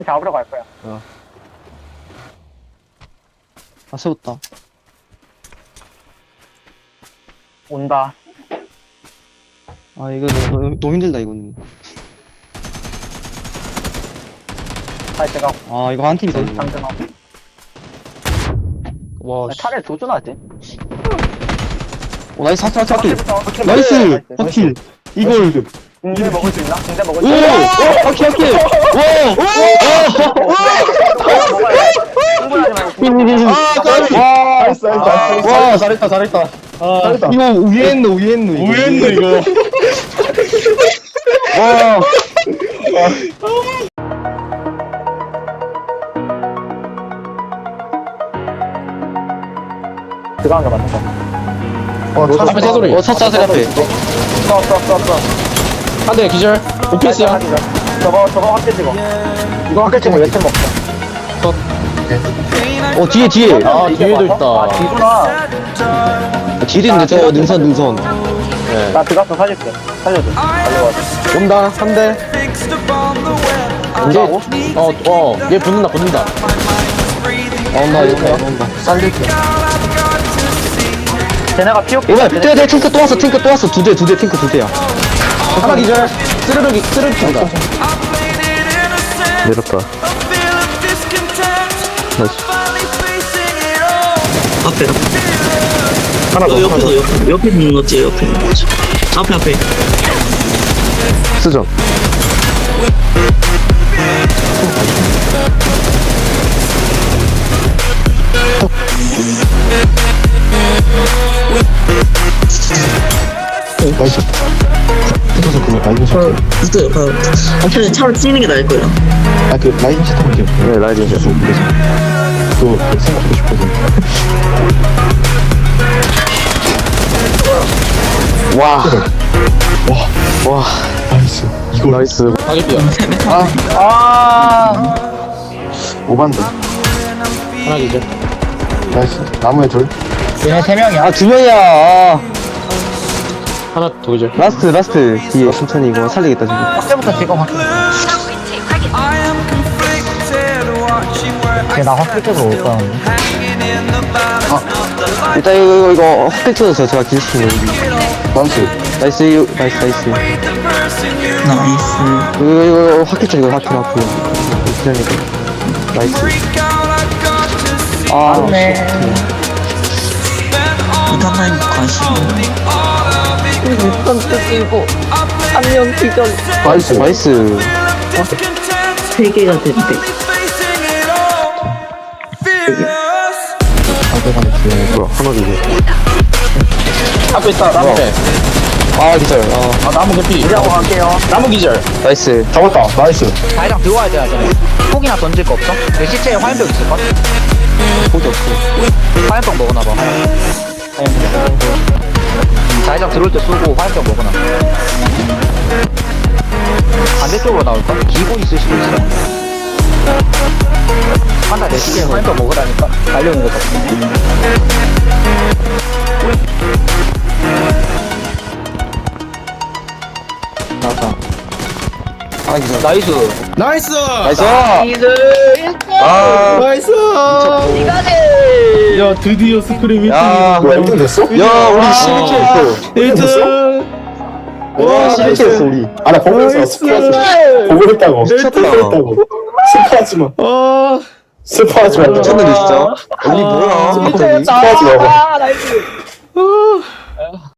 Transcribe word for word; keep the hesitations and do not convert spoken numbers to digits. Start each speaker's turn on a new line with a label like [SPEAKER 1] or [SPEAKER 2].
[SPEAKER 1] 잡으러 갈 거야.
[SPEAKER 2] 어. 아, 세웠다.
[SPEAKER 1] 온다.
[SPEAKER 2] 아, 이거 너무, 너무 힘들다, 이거는.
[SPEAKER 1] 다시 제가
[SPEAKER 2] 아, 이거 한 팀이 더 있네.
[SPEAKER 1] 장전하고.
[SPEAKER 2] 와, 씨.
[SPEAKER 1] 차라리 도전하지.
[SPEAKER 2] 오, 나이스, 하킬, 하킬, 하킬.
[SPEAKER 1] 확킬.
[SPEAKER 2] 나이스! 하킬. 이걸.
[SPEAKER 1] 군대 먹을 수 있나? 군대 먹을
[SPEAKER 2] 오!
[SPEAKER 1] 수 있나?
[SPEAKER 2] 오! 하킬, 하킬! 와!
[SPEAKER 1] 흥분하지 말고.
[SPEAKER 2] 아, 까비! 와!
[SPEAKER 3] 나이스, 나이스, 나이스.
[SPEAKER 2] 와, 잘했다, 잘했다. 아,
[SPEAKER 3] 잘했다.
[SPEAKER 2] 이거 우회했노, 우회했노, 이거.
[SPEAKER 3] 우회했노, 이거.
[SPEAKER 2] 와.
[SPEAKER 1] 들어간 거 맞는 거.
[SPEAKER 3] 어, 차
[SPEAKER 4] 앞에 차소리.
[SPEAKER 2] 어, 첫 자세 앞에.
[SPEAKER 1] 써, 써, 써, 써.
[SPEAKER 4] 한 대 기절. 오피스야.
[SPEAKER 1] 저거, 저거 확대 찍어. 이거 확대 찍어, 예측 먹자.
[SPEAKER 2] 어, 뒤에, 뒤에.
[SPEAKER 4] 아, 뒤에도 있다.
[SPEAKER 1] 아, 뒤구나.
[SPEAKER 2] 뒤에 있는데, 저 능선, 능선.
[SPEAKER 4] 네.
[SPEAKER 1] 나 들어가서 살릴게. 살려줘. 달려와.
[SPEAKER 4] 온다. 한 대. 이제 어, 어. 얘 붙는다. 붙는다.
[SPEAKER 2] 나온다, 이거 나온다.
[SPEAKER 4] 살릴게.
[SPEAKER 1] 쟤네가 피오케.
[SPEAKER 2] 이거, 돼, 돼, 탱크 또 왔어, 탱크 또 왔어. 두 대, 두 대, 탱크 두 대야.
[SPEAKER 4] 하나 기절. 쓰르륵이 쓰르륵 킨다.
[SPEAKER 3] 내렸다.
[SPEAKER 5] 앞에
[SPEAKER 3] 하나 더,
[SPEAKER 5] 어,
[SPEAKER 3] 하나
[SPEAKER 5] 옆에도
[SPEAKER 3] 더.
[SPEAKER 5] 옆에 옆에 있는 거지 옆에 있는 거지 앞에 앞에
[SPEAKER 3] 쓰죠. 나이스. 붙어서 그거 라이딩 샷.
[SPEAKER 5] 붙어요 바로 차라리 차로 찌는 게 나을 거예요
[SPEAKER 3] 아, 그 라이딩 샷 하면 돼요. 네, 라이딩 샷. 그래서 그거 생각하고 싶거든.
[SPEAKER 2] 와.
[SPEAKER 3] 와, 와. 나이스. 이거 나이스.
[SPEAKER 4] 가겠비야.
[SPEAKER 1] 아,
[SPEAKER 3] 오반드.
[SPEAKER 4] 하나 기절.
[SPEAKER 3] 나이스. 나무에 둘.
[SPEAKER 1] 얘네 세 명이야.
[SPEAKER 2] 아, 두 명이야. 아.
[SPEAKER 4] 하나 더 기절.
[SPEAKER 2] 라스트, 라스트. 뒤에 천천히 이거 살리겠다, 지금.
[SPEAKER 1] 확대부터 찍어, 확대. 쟤나 확대 쪽으로 올 거야.
[SPEAKER 2] 일단 이거, 이거, 이거, 헛백 쳐서 제가 기술시키는 거.
[SPEAKER 3] 나이스.
[SPEAKER 2] 나이스, 이거, 나이스, 나이스.
[SPEAKER 5] 나이스
[SPEAKER 2] 이거, 이거, 이거, 확킬 쳐, 이거, 확킬, 확킬. 기다리니까. 나이스. 아,
[SPEAKER 1] 네.
[SPEAKER 5] 이탄 라인 관심
[SPEAKER 3] 나이스.
[SPEAKER 2] 나이스.
[SPEAKER 5] 세 개가 됐대
[SPEAKER 3] 뭐야, 하나 주고.
[SPEAKER 4] 앞에 있다. 나무 대.
[SPEAKER 2] 아, 기절. 아,
[SPEAKER 4] 아, 나무 개피.
[SPEAKER 1] 우리하고 갈게요.
[SPEAKER 4] 나무 기절.
[SPEAKER 2] 나이스.
[SPEAKER 3] 잡았다. 나이스.
[SPEAKER 1] 자기장 들어와야 돼, 쟤네. 폭이나 던질 거 없어? 내 시체에 화염병 있을걸?
[SPEAKER 2] 폭이 없어.
[SPEAKER 1] 화염병 먹어놔봐, 화염병. 자기장 들어올 때 쏘고 화염병 먹어놔. 반대쪽으로 나올까? 기고 있을 수도 있어. 한다 내 시계에 화염병 먹으라니까 달려오는 것 같아.
[SPEAKER 2] 나왔다. 아, 기절.
[SPEAKER 1] 나이스.
[SPEAKER 4] 나이스.
[SPEAKER 2] 나이스.
[SPEAKER 3] 아,
[SPEAKER 4] 나이스. 야, 드디어 스크림
[SPEAKER 2] 야,
[SPEAKER 3] 뭐야, 일 등 됐어?
[SPEAKER 2] 야, 우리 십일 킬 했어.
[SPEAKER 4] 일 등.
[SPEAKER 2] 와, 십일 킬 했어, 우리.
[SPEAKER 3] 아, 나 보고 있어. 스포하지 마. 보고 있다고.
[SPEAKER 2] 미쳤다.
[SPEAKER 3] 보고 있다고. 스포하지 마.
[SPEAKER 4] 아.
[SPEAKER 3] 스포하지 마.
[SPEAKER 2] 미쳤는데, 진짜. 우리 뭐야.
[SPEAKER 3] 스포하지 마.
[SPEAKER 1] 나이스.